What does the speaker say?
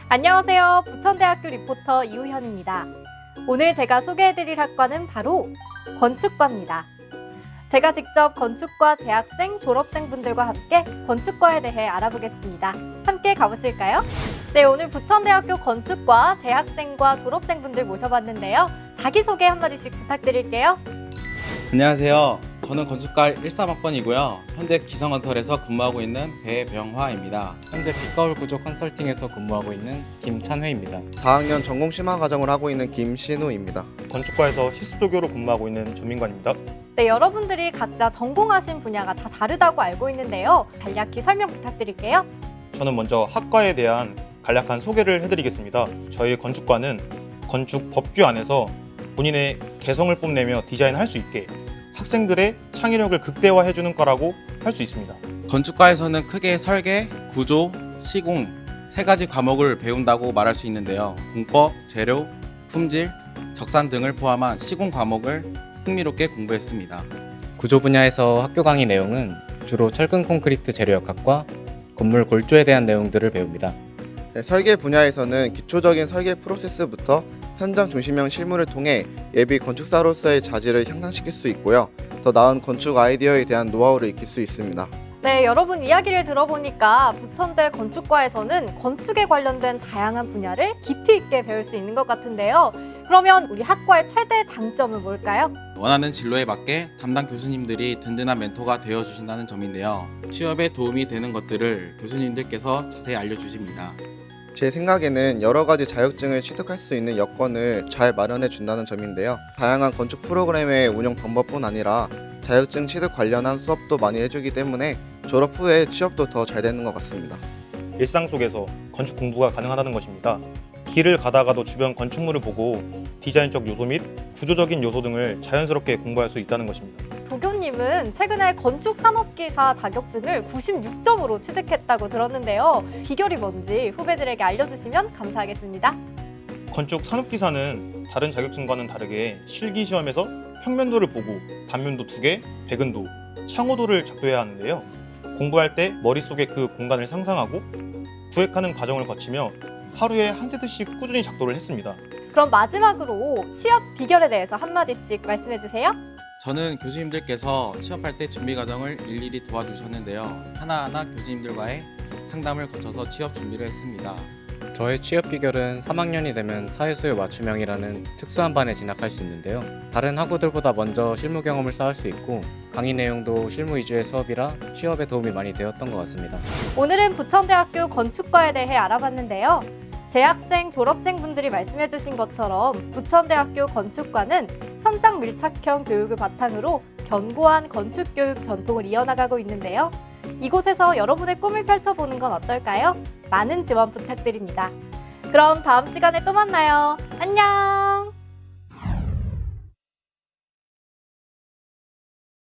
안녕하세요. 부천대학교 리포터 이우현입니다. 오늘 제가 소개해드릴 학과는 바로 건축과입니다. 제가 직접 건축과 재학생, 졸업생분들과 함께 건축과에 대해 알아보겠습니다. 함께 가보실까요? 네, 오늘 부천대학교 건축과 재학생과 졸업생분들 모셔봤는데요. 자기소개 한마디씩 부탁드릴게요. 안녕하세요. 저는 건축과 13학번이고요. 현재 기성건설에서 근무하고 있는 배병화입니다. 현재 빛거울 구조 컨설팅에서 근무하고 있는 김찬회입니다. 4학년 전공 심화 과정을 하고 있는 김신우입니다. 건축과에서 시스토교로 근무하고 있는 전민관입니다. 네, 여러분들이 각자 전공하신 분야가 다 다르다고 알고 있는데요. 간략히 설명 부탁드릴게요. 저는 먼저 학과에 대한 간략한 소개를 해드리겠습니다. 저희 건축과는 건축 법규 안에서 본인의 개성을 뽐내며 디자인할 수 있게 학생들의 창의력을 극대화해주는 과라고 할 수 있습니다. 건축과에서는 크게 설계, 구조, 시공 세 가지 과목을 배운다고 말할 수 있는데요. 공법, 재료, 품질, 적산 등을 포함한 시공 과목을 흥미롭게 공부했습니다. 구조 분야에서 학교 강의 내용은 주로 철근 콘크리트 재료역학과 건물 골조에 대한 내용들을 배웁니다. 네, 설계 분야에서는 기초적인 설계 프로세스부터 현장 중심형 실무를 통해 예비 건축사로서의 자질을 향상시킬 수 있고요. 더 나은 건축 아이디어에 대한 노하우를 익힐 수 있습니다. 네, 여러분 이야기를 들어보니까 부천대 건축과에서는 건축에 관련된 다양한 분야를 깊이 있게 배울 수 있는 것 같은데요. 그러면 우리 학과의 최대 장점은 뭘까요? 원하는 진로에 맞게 담당 교수님들이 든든한 멘토가 되어주신다는 점인데요. 취업에 도움이 되는 것들을 교수님들께서 자세히 알려주십니다. 제 생각에는 여러 가지 자격증을 취득할 수 있는 여건을 잘 마련해 준다는 점인데요. 다양한 건축 프로그램의 운영 방법뿐 아니라 자격증 취득 관련한 수업도 많이 해주기 때문에 졸업 후에 취업도 더 잘 되는 것 같습니다. 일상 속에서 건축 공부가 가능하다는 것입니다. 길을 가다가도 주변 건축물을 보고 디자인적 요소 및 구조적인 요소 등을 자연스럽게 공부할 수 있다는 것입니다. 도교님은 최근에 건축산업기사 자격증을 96점으로 취득했다고 들었는데요. 비결이 뭔지 후배들에게 알려주시면 감사하겠습니다. 건축 산업기사는 다른 자격증과는 다르게 실기시험에서 평면도를 보고 단면도 2개, 백은도, 창호도를 작도해야 하는데요. 공부할 때 머릿속에 그 공간을 상상하고 구획하는 과정을 거치며 하루에 한 세트씩 꾸준히 작도를 했습니다. 그럼 마지막으로 취업 비결에 대해서 한마디씩 말씀해 주세요. 저는 교수님들께서 취업할 때 준비 과정을 일일이 도와주셨는데요. 하나하나 교수님들과의 상담을 거쳐서 취업 준비를 했습니다. 저의 취업 비결은 3학년이 되면 사회수요 맞춤형이라는 특수한 반에 진학할 수 있는데요. 다른 학우들보다 먼저 실무 경험을 쌓을 수 있고 강의 내용도 실무 위주의 수업이라 취업에 도움이 많이 되었던 것 같습니다. 오늘은 부천대학교 건축과에 대해 알아봤는데요. 재학생, 졸업생분들이 말씀해 주신 것처럼 부천대학교 건축과는 현장 밀착형 교육을 바탕으로 견고한 건축교육 전통을 이어나가고 있는데요. 이곳에서 여러분의 꿈을 펼쳐보는 건 어떨까요? 많은 지원 부탁드립니다. 그럼 다음 시간에 또 만나요. 안녕!